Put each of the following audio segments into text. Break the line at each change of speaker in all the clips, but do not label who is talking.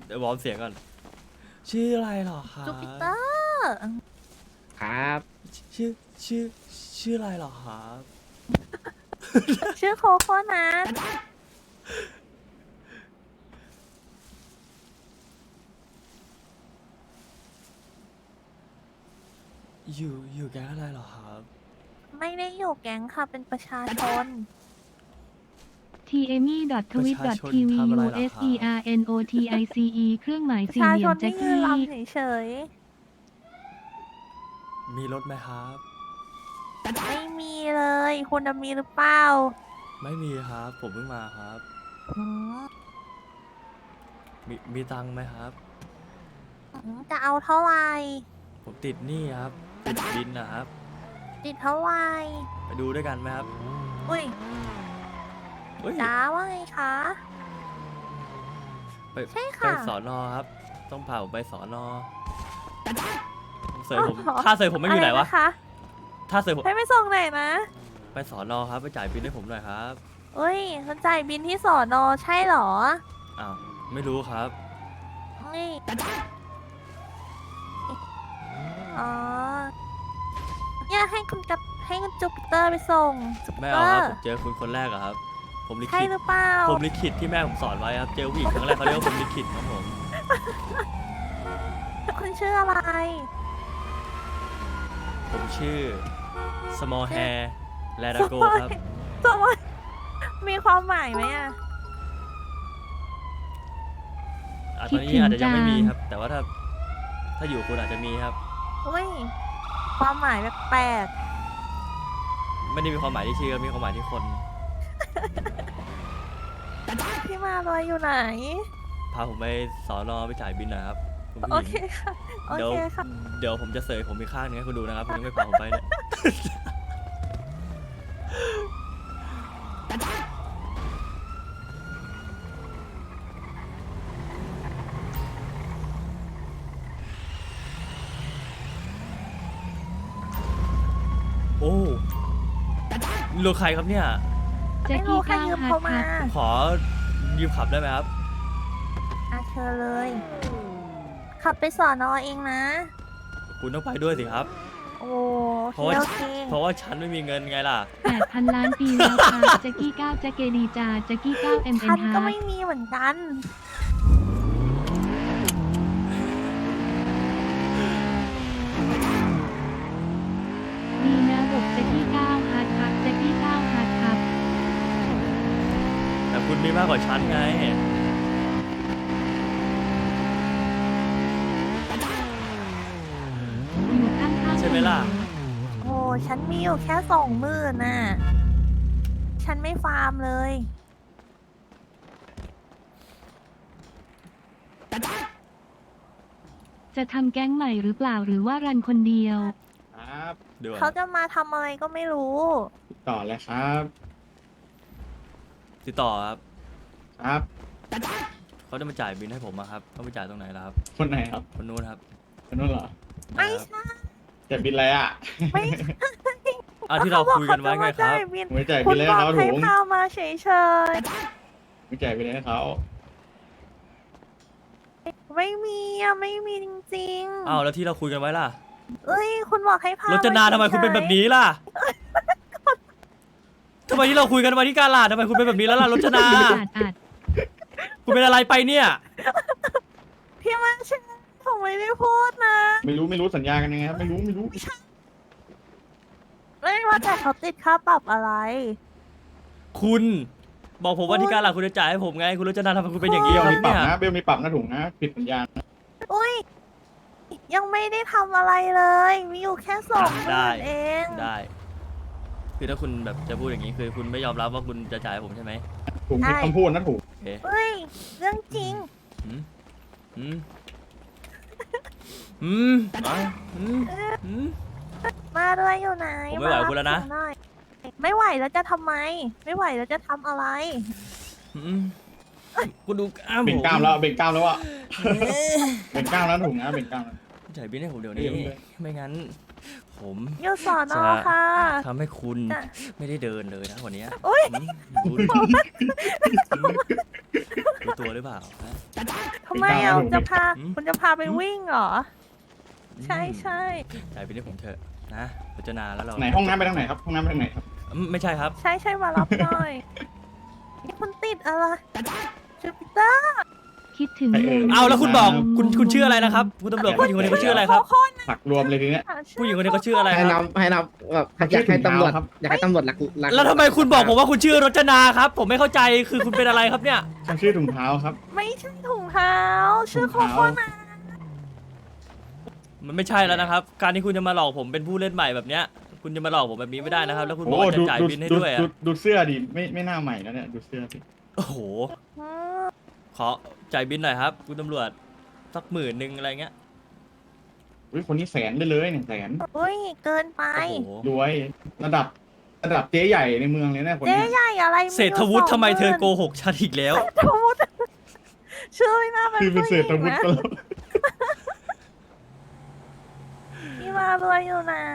เดี๋ยววอร์มเสียงก่อนชื่ออะไรเหรอครับ
จูปิเตอร์
ครับ
ชื่อชื่อชื่ออะไรเหรอครับ
ชื่อโคโค่นะ
อยู่แก๊งอะไรเหรอครับ
ไม่ได้อยู่แก๊งค่ะเป็นประชาชน
tmi.twit.tv/usernotice เครื่องหมาย
ประ
สี่
ชา
เหลี่
ช
ยม
น
แจ็
ที่
ค
ยืน
กี้
รำเฉย
มีรถไหมครับ
ๆไม่มีเลยคุณน่ะมีหรือเปล่า
ไม่มีครับ ผมเพิ่งมาครับ
อืม
มีตังค์ไหมครับ
จะเอาเท่าไหร่
ผมติดหนี้ครับ ติดบินนะครับ
ติดเท่าไหร่
ไปดูด้วยกันไหมครับ
อุ้ย
เฮ้ย
จ้าว่าไงคะ
ไป
ใช่
ไป
ค่ะ
สอนอครับ ต้องพาผมไปสอนอเสยผม
อ๋อ
ถ้าเสยผมไม่อยู่ไหนวะ
รนะคะ
ถ้าเสยผม
ให้ไปส่งไหนนะ
ไปสอนอครับ ไปจ่ายบินให้ผมหน่อยครับ
เอ้ยเขาจ่ายบินที่สอนอใช่เหรอ
อ้าว ไม่รู้ครับ
นี่อ๋อเนี่ยให้คุณจูปิเตอร์ไปส่งจูปิ
ไม่
เต
เอา
อ
ครับ
ร์
ผมเจอคุณคนแรกอะครับ ผมลิ
ใช่
ขิต
หรือเปล่า
ผมลิขิตที่แม่ผมสอนไว้ครับ เจอผู้หญิงครั้งแรกเขาเรียกว่าผมลิขิตครับผม
คุณชื่ออะไร
ผมชื่อ small hair แลดาโกครับ
สมมติมีความหมายไหมอ่ะ
ตอนนี้อาจจะยังไม่มีครับ แต่ว่าถ้าอยู่คุณอาจจะมีครับ
อุ้ย ความหมายแปลก
ไม่ได้มีความหมายที่ชื่อมีความหมายที่คน
ๆพี่มาลอยอยู่ไหน
พาผมไปสอนอไปจ่ายบินหนะครับคุณผู้
โอ
ห
เค
ญิง
ค่ะ โอ
เดี๋ยว
เคค่ะ
เดี๋ยวผมจะเสยผมอีกข้างหนึงให้คุณดูนะครับคุณยังไม่พาผมไปเนี่ย โอ้ลูกใครครับเนี่ย
แจ็ค
ไม่รู้
กี้
ใคร
ก้าว
ยืม
ฮั
เขา
ท
มา
ครับ
ขอยืมขับได้ไหมครับ
อาเชิญเลย ขับไปสอนอเองนะ
คุณต้องไปด้วยสิครับ
โอ้
เพราะว่า
โอเค
เพราะว่าฉันไม่มีเงินไงล่ะ
8,000 ล้านปีแล้วครับแจ็คกี้ก้าวแจ็คเกดีจาแจ็คกี้ก้าว MN
ฉันก็
ฮาร์
ไม่มีเหมือนกัน
ดีนะบอกแจ็คกี้ก้าวฮัทครับแจ็คกี้ก้าวฮัทครับ
แต่คุณมีมากกว่าฉันไง
อยู่ข้างๆ
ใช่ไหมล่ะ
โอ้ฉันมีอยู่แค่20,000น่ะ ฉันไม่ฟาร์มเลย
จะทำแก๊งใหม่หรือเปล่าหรือว่ารันคนเดียว
ครับ
เดี๋ยว
เขาจะมาทำอะไรก็ไม่รู้
ต่อเลยครับ
ติดต่อครับ
ครับ
เขาจะมาจ่ายบินให้ผมอะครับเขาไปจ่ายตรงไหนล่ะครับ
คนไหนครับ
คนนู้นครับ
คนนู้นเหรอ
ไม่
นะครับ
ใช่
จะบินอะไรอ่ะ
ไม่
อ่ะที่เราคุยกันไว้ไงครับ
เขาจะมาจ่ายบิน
ไม่จ่าย
คุ
บิ
ณ
นเลย
บอ
ให้
ก
เขา
ให้
ถุง
พามาเฉย
ไม่จ่ายบินเลยให้เขา
ๆ ไม่มีอะไม่มีจริง
อ้าวแล้วที่เราคุยกันไว้ล่ะ
ๆ เอ้ย คุณบอกให้พาร
จนา
ฉยๆ
ทำไมคุณเป็นแบบนี้ล่ะทำไมที่เราคุยกันไว้ที่กาลาดทำไมคุณเป็นแบบนี้แล้วล่ะรจนา
อาจ
คุณเป็นอะไรไปเนี่ย
พี่มาเชนผมไม่ได้พูดนะ
ไม่รู้สัญญากันยังไงครับ ไม่รู้
ไม่ว่าแต่เขาติดค่าปรับอะไร
คุณบอกผมว่าที่กาลาดคุณจะจ่ายให้ผมไง คุณรจนาทำไมคุณเป็นอย่างนี้
เบล
ครั
มี
บ
ปรับ
เนี่ย
นะ เบลมีปรับนะถุงนะ ผิดสัญญา
อุ้ย ยังไม่ได้ทำอะไรเลย มีอยู่แค่20,000เอง
ได้ คือถ้าคุณแบบจะพูดอย่างนี้คือคุณไม่ยอมรับว่าคุณจะจ่ายให้ผมใช่ไหม
ถุงผิดคำพูดนะถุง
โอเค
เฮ้ย เรื่องจริง
อืมอืมอืมอ่ะอืมอืม
มาด้วยอยู่ไหน
ผมไม่ไหว
ารับ
คุณแล้วนะ
ผมหอยไม่ไหวแล้วจะทำไม ไม่ไหวแล้วจะทำอะไร
อืมคุณดูกล้าม
เบ่ง
ผม
กล้ามแล้วเบ่งกล้ามแล้วอ่ะเบ่งกล้ามแล้วถุงนะเบ่งกล้ามแล้ว
จ่ายบินให้ผมเดี๋ยวนี้
เดี๋ยว
ไม่งั้น ผม
อยู่สอน
จะ
อค่ะ
ทำให้คุณ
จ้ะ
ไม่ได้เดินเลยนะวันเนี้ย
อุ๊ย
อืมคุณตัวหรือเปล่าฮะ
ทำไมอ่ะ
เป็นก้าวแล้ว
อืม
คุณจะพาไปวิ่งเหรอ ใช่ใช่
จ่ายบินให้ผมเถอะนะรจนาแล้วเรา
ไหนห้องน้ำไปทางไหนครับห้องน้ำไปทางไหนครับ
ไม่ใช่ครับ
ใช่ใช่มารับหน่อยนี่คุณติดอะไรจูปิเตอร์
คิดถึง
เอาแล้วคุณบอกคุณชื่ออะไรนะครับคุณตำรวจผู้หญิงคนนี้เขาชื่ออะไรครับ
ผักรวมเลยทีเนี้ย
ผู้หญิงคนนี้เขาชื่ออะไร
ให้
ค
นั
รั
บบ ให้นับแบบอยากให้ตำรวจ
ครับ
อยากให้ตำรวจรัก
แล้วทำไมคุณบอกผมว่าคุณชื่อรจนาครับ ผมไม่เข้าใจคือคุณเป็นอะไรครับเนี่ย
ฉันชื่อถุงเท้าครับ
ไม่ใช่ถุงเท้าชื่อโค
ถุง
โค่
เท้า
นะ
มันไม่ใช่แล้วนะครับ การที่คุณจะมาหลอกผมเป็นผู้เล่นใหม่แบบเนี้ยคุณจะมาหลอกผมแบบนี้ไม่ได้นะครับ แล้วคุณบอก
โอ้
ว่าจะ
ดู
จ่าย
ดู
บินให้
ดู
ด้วยอะ
ดูเสื้อดิไม่หน้าใหม่แล้วเนี่ยดูเสื้อสิ
โอ้โห
อืม
ขอจ่ายบินหน่อยครับ คุณตำรวจสัก10,000อะไรเงี้ย
อุ้ยคนนี้แสนได้เลยเนี่ยแสน
อุ้ยเกินไป
โอ้โห
รวยระดับเจ๊ใหญ่ในเมืองเลยนะคน
เจ๊
เนี้ย
ใหญ่อะไรมี
เศรษฐวุฒิทำไมเธอ
20,000
โกหกฉันอีกแล้ว
เศรษฐวุฒิชื่อไม่น่าเป็น
คือเป็น
ผู้ห
เศร
ญิ
ษฐ
ง
วุฒิ
นะ
ก็แล้ว
พี่มารวยอยู่ไหน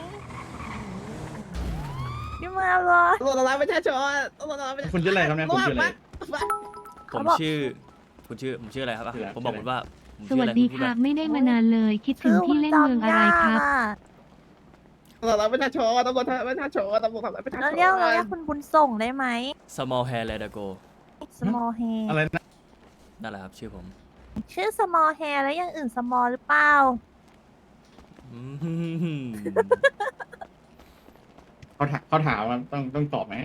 พี่มารวย
ตำรวจรับประชาชนตำรวจรับประชาชน
คุณชื่ออะไรครับเนี่ยคุณชื่ออะไร
ผมชื่อผมชื่ออะไรครับอ่ะ
ชื่ออะไร
ผมบอกคุณว่าผม
ส
ชื่อ
วั
อะ
ส
ไร
ดี
ณพู
ค่ะ
มา
ไม่ได้มานานเลย คิดถึงที่เล่นเมืองอะไรครับ
ตำรวจรับประชาชนตำรวจรับประชาชนตำรวจรับประชาชน
เราเรียกคุณบุญส่งได้ไหม
small hair let it go
small hair
อะไรนะ
นั่นแหละครับชื่อผม
ชื่อ small hair แล้วอย่างอื่น small หรือเปล่า
อืม
เขาถามว่าต้องตอบไหม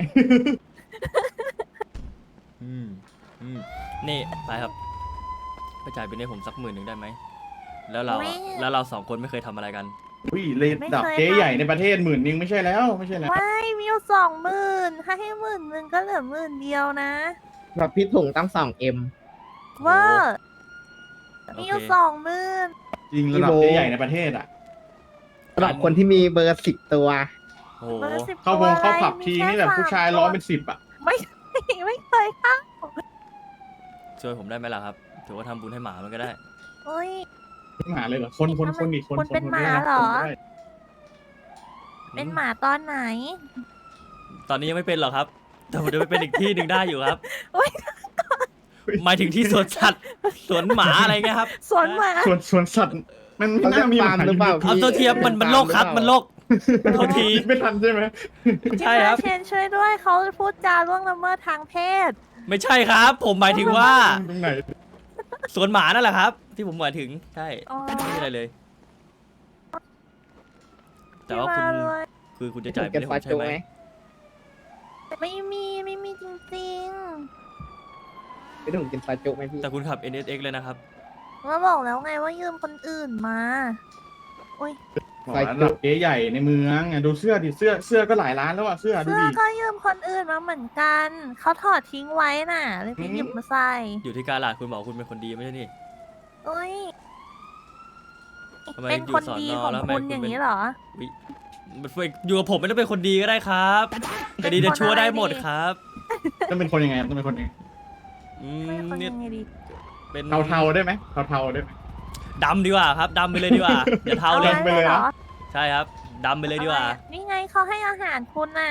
อืมนี่ไปครับไปจ่ายบินให้ผมสัก10,000ได้ไหมแล้วเรา
ไม่
แล้วเราสองคนไม่เคยทำอะไรกัน
อุ้ยระดับเจ๊ใหญ่ในประเทศ10,000ไม่ใช่แล้วไม่ใช่แล้ว
ไม่มีอยู่20,000ถ้าให้10,000ก็เหลือ10,000นะ
แบบพี่ถุงตั้ง2M
เวอร์
โอเค
มีอยู่20,000
จริงระดับเจ๊ใหญ่ในประเทศอ่ะ
สำหรับคนที่มีเบอร์10 ตัว
โอ้โห
เบอร์10
เข้า
ตัว
เข้า
อะไร
ผับทีนี่แบบผู้ชาย
มีแค่
ร้อย
3
เป็น10อ่ะ
ไม่ไม่เคยเข้า
ช่วยผมได้ไหมล่ะครับถือว่าทำบุญให้หมามันก็ได้
เอ้ย
หมาเลยเหรอคนอีกคน
คนเป็น
ค
หมา
ได้นะ
เหรอ
คนได้
เป็นหมาตอนไหน
ตอนนี้ยังไม่เป็นหรอกครับ แต่ผมจะไปเป็นอีกที่หนึ่งได้อยู่ครับ
โอ๊ย
หมายถึงที่สวนสัตว์สวนหมาอะไรเงี้ยครับ
สวนหมา
ส่วนสัตว์มันไม่
เขาเรีย
น่าก มี
ฟาร์มหรือเปล่า
เอาตัวเทียมมันโลกครับมันโลกโทษที
ไม่ทันใช่ไหม
ใช่ครับ
พี่มาเชนช่วยด้วยเขาพูดจาล่วงละเมิดทางเพศ
ไม่ใช่ครับ ผมหมายถึงว่า
ตรงไหน
สวนหมานั่นแหละครับ ที่ผมหมายถึงใช่
อ๋อ
ไม่มีอะไรเลย แต่
พี่
ว่า
มา
คุณ
เลย
คือคุณจะ
พี่ถุ
จ่าย
ง
ไป
เก็บ
ให้ผ
ฟาม
ใช่
จู
ไหม
ไหม
ไม่มีจริง
พี่ถุงกินฟาจูไหมพี่
แต่คุณขับ NSX เลยนะครับ
ๆมาบอกแล้วไงว่ายืมคนอื่นมาอุ้ย
บอกระดับเจ๊ใหญ่ในเมืองอ่ะดูเสื้อดิเสื้อก็หลายล้านแล้วอ่ะเสื้อดู
เสื้อ
ดิ
ก็ยืมคนอื่นมาเหมือนกันเขาถอดทิ้งไว้น่ะเลยพี่หยิบมาใส่
อยู่ที่การหลาดคุณบอกคุณเป็นคนดีไม่ใช่นี่
อุ้ย
ทำไม
เป็น
อยู่
คน
สอน
ดี
อ
ของ
แล้วทำไม
คุณ
คุณ
อย่าง
เป็น
นี้เหรอ
อุ๊ยอยู่กับผมไม่ต้องเป็นคนดีก็ได้ครับแต่ดีจะชั่วได้หมดครับ
ต้องเป็นคนยังไงต้องเป็นคนยังไง
อื
เป็น
ม
คน
เนี่ย
ยังไงดี
เป็น
เทาๆได้ไหมเทาๆได้ไหม
ดำดีกว่าครับดำไปเลยดีกว่าอย่าเทาเลย
อไปเลยเหรอ
ใช่ครับดำไปเลยดีกว่า
อะไรอะนี่ไงเขาให้อาหารคุณน่ะ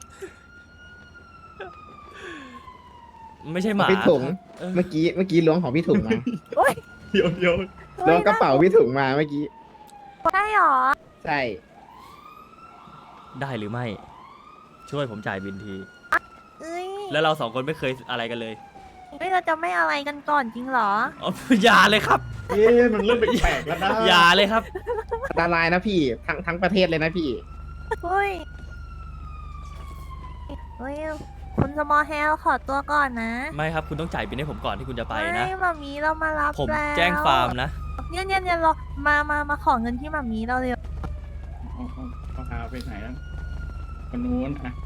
ไม่ใช่หมา
พี่ถุง
เออ
เมื่อกี้ล้วงของพี่ถุงมา
เดี๋ยว
ล้วงกระเป๋าพี่ถุงมาเมื่อกี้
ใช่หรอ
ใช่
ได้หรือไม่ ช่วยผมจ่ายบินที
เอ้ย
แล้วเราสองคนไม่เคยอะไรกันเลย
เฮ้ยเราจะไม่อะไรกันก่อนจริงเหรอ
อ๋ออย่าเลยครับ
เอ๊ะมันเริ่มแปลกๆแล้วนะ
อย่าเลยครับ
อันตรายนะพี่ทั้งประเทศเลยนะพี่
เฮ้ยเฮ้ยคุณสมอลแฮลขอตัวก่อนนะ
ไม่ครับคุณต้องจ่ายบินให้ผมก่อนที่คุณจะไปนะ
ไม่มามีเรามารับ
ผม
แล้ว
แจ้งฟาร์มนะ
เนี่ยรอมาขอเงินที่มามีเราเร็ว
เขาพาไปไหนแล้วคนนู้นอ่ะ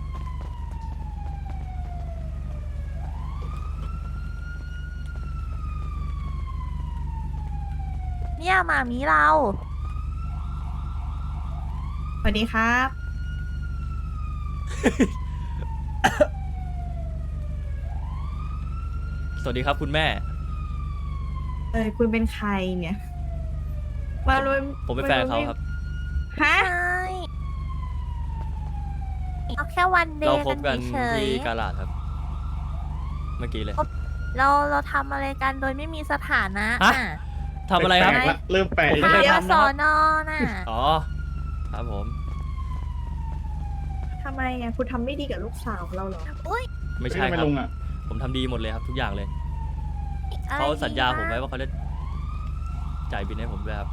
เนี่ยมามีเรา
สวัสดีครับ
สวัสดีครับคุณแม่
คุณเป็นใครเนี่ยมารวย
ผมเป็นแฟนเขาครับ
ฮะ
ใช่เอาแค่วันเด
เรา
ย์
คบกัน
เฉย
ที่กาลาดครับ เมื่อกี้เลย
ๆเราทำอะไรกันโดยไม่มีสถานะ
ฮะ ทำอะไรครับ
แปลกๆละเริ่มแปลก
ผม
ละ
ไม่เคย
เดี๋ยว
ทำ
ส
นะ
อ
ครับ
นอน่ะ
อ๋อ ครับผม
ทำไมอ่ะคุณทำไม่ดีกับลูกสาวเราเหรอ
อุ้ย
ไม่ใช่
ทำ
ครับ
ลุงอ่ะ
ผมทำดีหมดเลยครับทุกอย่างเลย
อะไร
เขาสัญญาผมไว้
ดี
ว่าเขาจะจ่ายบินให้ผมด้วยครับ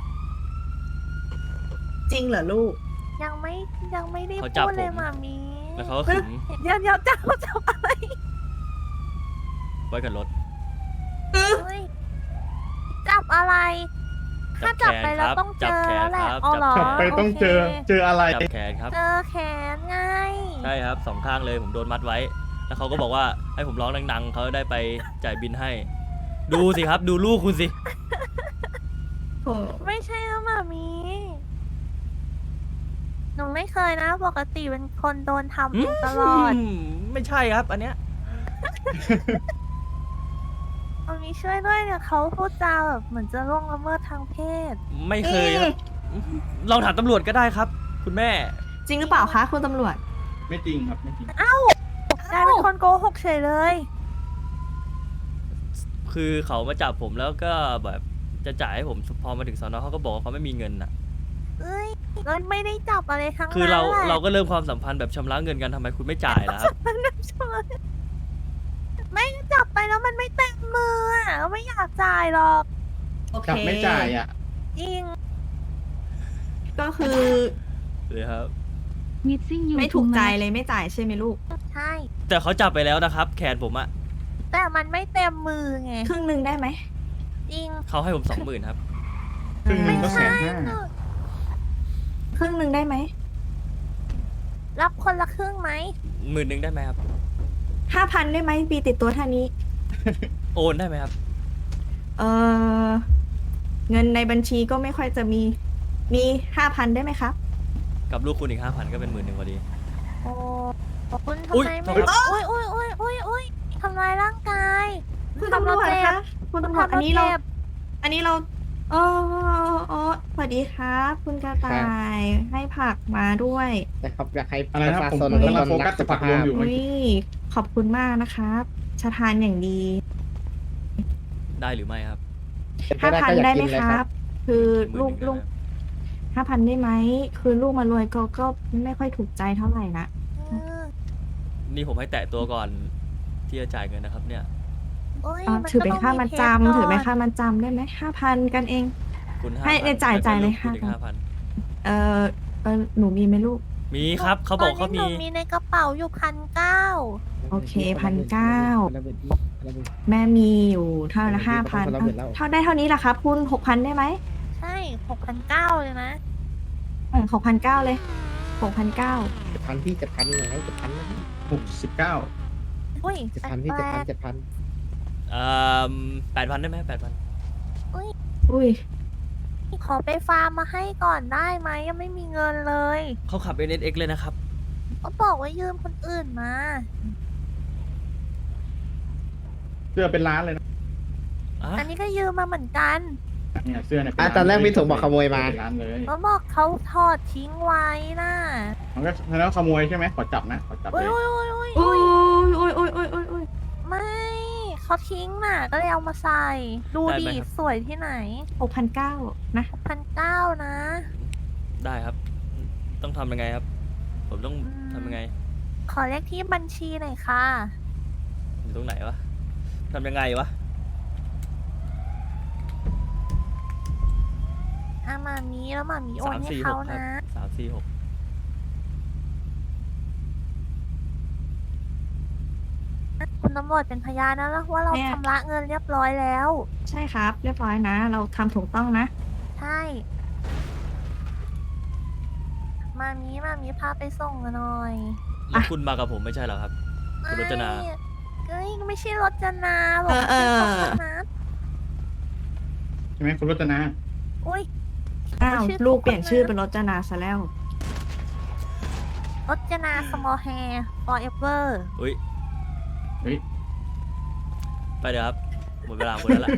จริงเหรอลูก
ยังไม่ได้
เขาจับ
พูดเลย
ผม
หมามี
แล้วเขาก็ขึง
เดี๋ยวจับอะไร
ไว้กับรถ
เฮ้ยจับอะไร ถ้าจับไปแล้วต้องเจอแล้วแหละอ๋อเหรอ
จับไปต้องเจอ
โค
เจออะไร
จับแขนครับ
เจอแขนไง
ใช่ครับสองข้างเลยผมโดนมัดไว้ แล้วเขาก็บอกว่าให้ผมร้องดังๆเขาได้ไปจ่ายบินให้ ดูสิครับ ดูลูกคุณสิ
โอ้
ไม่ใช่แล้วหมามีหนูไม่เคยนะ ปกติเป็นคนโดนทำเองตลอด
ไม่ใช่ครับ อันเนี้ย
หมามีช่วยด้วยเนี่ยเขาพูดจาแบบเหมือนจะล่วงละเมิดทางเพศ
ไม่เคยครับลองถามตำรวจก็ได้ครับ คุณแม่
จริงหรือเปล่าคะคุณตำรวจ
ไม่จริงครับไม่จริง
กลายเป็นคนโกหกเฉยเลย
คือเขามาจับผมแล้วก็แบบจะจ่ายให้ผมพอมาถึงสอนอเขาก็บอกว่าเขาไม่มีเงินอ่ะ
เอ้ยเราไม่ได้จับอะไรทั้งนั้น
คือเรา
แหละ
เราก็เริ่มความสัมพันธ์แบบชำระเงินกันทำไมคุณไม่จ่ายล่ะครับ
ไม่จับไปแล้วมันไม่เต็มมืออ่ะก็ไม่อยากจ่ายหรอก
โอเค
จับไม่จ่ายอ่ะ
จริง
ก็คือ
เลยครับ
มิดซิ่งอยู่
ไม่ถูกใจ
ไหม
เลยไม่จ่ายใช่ไหมลูก
ใช่
แต่เขาจับไปแล้วนะครับ แขนผมอะ
แต่มันไม่เต็มมือไง
ครึ่งหนึ่งได้ไหม
จริง
เขาให้ผม20,000ครับ
ครึ่งหนึ่งก็
ใช่
150,000
ครึ่งหนึ่งได้ไหม
รับคนละครึ่งไหม
10,000ได้ไหมครับ
5,000ได้ไหมปีติดตัวท่านี้
โอนได้ไหมครับ
เออเงินในบัญชีก็ไม่ค่อยจะมี 5,000ได้ไหมครับ
กับลูกคุณอีก5,000ก็เป็น10,000พอดี
โอ้คุณ
อุ๊
ทำ
ย
ไมไม่
โทษครับ
อุ้ยทำลายร่างกาย
คุณตำรวจ
เจ็บ
คะคุณตำรวจ
ทำ
อันนี้เรา
จ็บ
อ๋อสวัสดีครับคุณกระต่ายให้ผักมาด้วย
นะครับอยากให้
อะไรนะครับ
ปะ
ผม
ชาชน
กำลังโฟกัสจะผักรวมอยู่
อุ้ยขอบคุณมากนะครับชะทานอย่างดี
ได้หรือไม่ครับ
เป็นปได้ก็อยาก
5,000ได้ไหม
กินเลย
ค
ค
รั
รับ
บ คือลูก
10,000
ลูก5,000ได้ไหมคือลูกมารวยก็ไม่ค่อยถูกใจเท่าไหร่นะ
เออ
นี่ผมให้แตะตัวก่อนที่จะจ่ายเงินนะครับ เนี่ย
โอ้ย
อ่ะ
มัน
ถือเป็น
ก็ต้ง
ค่ามัด
ทส
จำ
ก่
ถือเป็น
น
ค่ามัดจำได้ไหม5,000กันเอง
คุณ
ให้
5,000
เนี่ยจ่ายเลย
แล้วก็ลูกคุณอีก
5,000
5,000
เออหนูมีไหมลูก
มีครับ เขาบอกเขา
ตนนี้
มี
หนูมีในกระเป๋าอยู่1,900
โอเค1,900 แม่มีอยู่เท่าละ
เออ
5,000
คนละหมื่นแล้ว
เท่าได้เท่านี้แหละครับคุณ6,000ได้ไหม
ใช่6,900เลยนะ
6,900เลย6,900
7,000พี่7,000ไง7,000นะ
69
อุ้ย
7,000พี่
แปลก
7,000
8,000ได้ไหม8,000
อุ้ย
ๆขอไปฟาร์มมาให้ก่อนได้ไหมยังไม่มีเงินเลย
เขาขับ NSX เลยนะครับ
ก็บอกว่ายืมคนอื่นมา
เสื้อเป็นล้านเลยนะ
อ่ะ
อันนี้ก็ยืมมาเหมือนกัน
เนี่ยเสื้อเนี่ยเป็
อ่ะ
ล้า
ตอนแรกพี่ถุงบอกขโมยมา
เป็นล้านเลย
เขาบอกเขาถอดทิ้งไว้น่ะ
มันก็แล้วขโมยใช่ไหมขอจับนะขอจับ
อุ้
เลย ย
อุ้ยอุ้ยอุ้ย
อุ้ย
ไม่เขาทิ้งน่ะ ก็เลยเอามาใส่ ดูดิสวยที่ไหน
6,900นะ
1,900นะ
ได้ครับ ต้องทำยังไงครับ ผมต้องทำยังไง
ขอเลขที่บัญชีหน่อยค่ะ
อยู่ตรงไหนวะทำยังไงวะ
มามีแล้วมามีโอนให้เขา
346 ครับ
นะ
346
คุณตำรวจเป็นพยานนะว่าเราชำระเงินเรียบร้อยแล้ว
ใช่ครับ เรียบร้อยนะ เราทำถูกต้องนะ
ใช่ มามีพาไปส่งกันหน่อย
แล้วคุณมากับผมไม่ใช่เหรอครับ คุณรจนา
เอ้ยไม่ใช่รจนาหรอก
เออ
เป็นของนัท
ใช่ไหมคุณรจนา
อุ้ย
อ้าว
ชื่อ
ลูกเปลี่ยนชื่อเป็นรจนาซะแล้ว
รจนา small hair forever
อุ้ย
เฮ้ย
ไปเดี๋ยวครับ หมดเวลาหมดแล้วล่ะ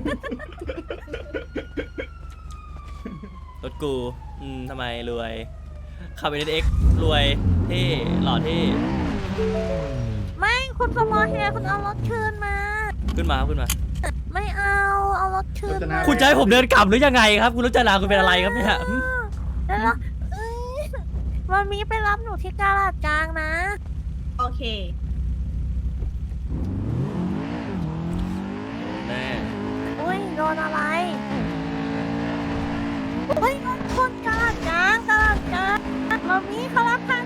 รถกู ทำไมรวย ขับ NSX รวย เท่ หล่อเท่
ไม่คุณ small hair คุณเอารถคืนมา
ขึ้นมาครับขึ้นมา
ไม่เอารถคืนมา
คุณจะให้ผมเดินกลับหรือยังไงครับ คุณรจนาคุณเป็นอะไรครับเนี่ยหึ
แล้ววันนี้ไปรับหนูที่กาลาดกลางนะ
โอเค
แน่
อุ้ยโดนอะไรอุ้ยโดนคนกาลาดกลางวันนี้เขารับพา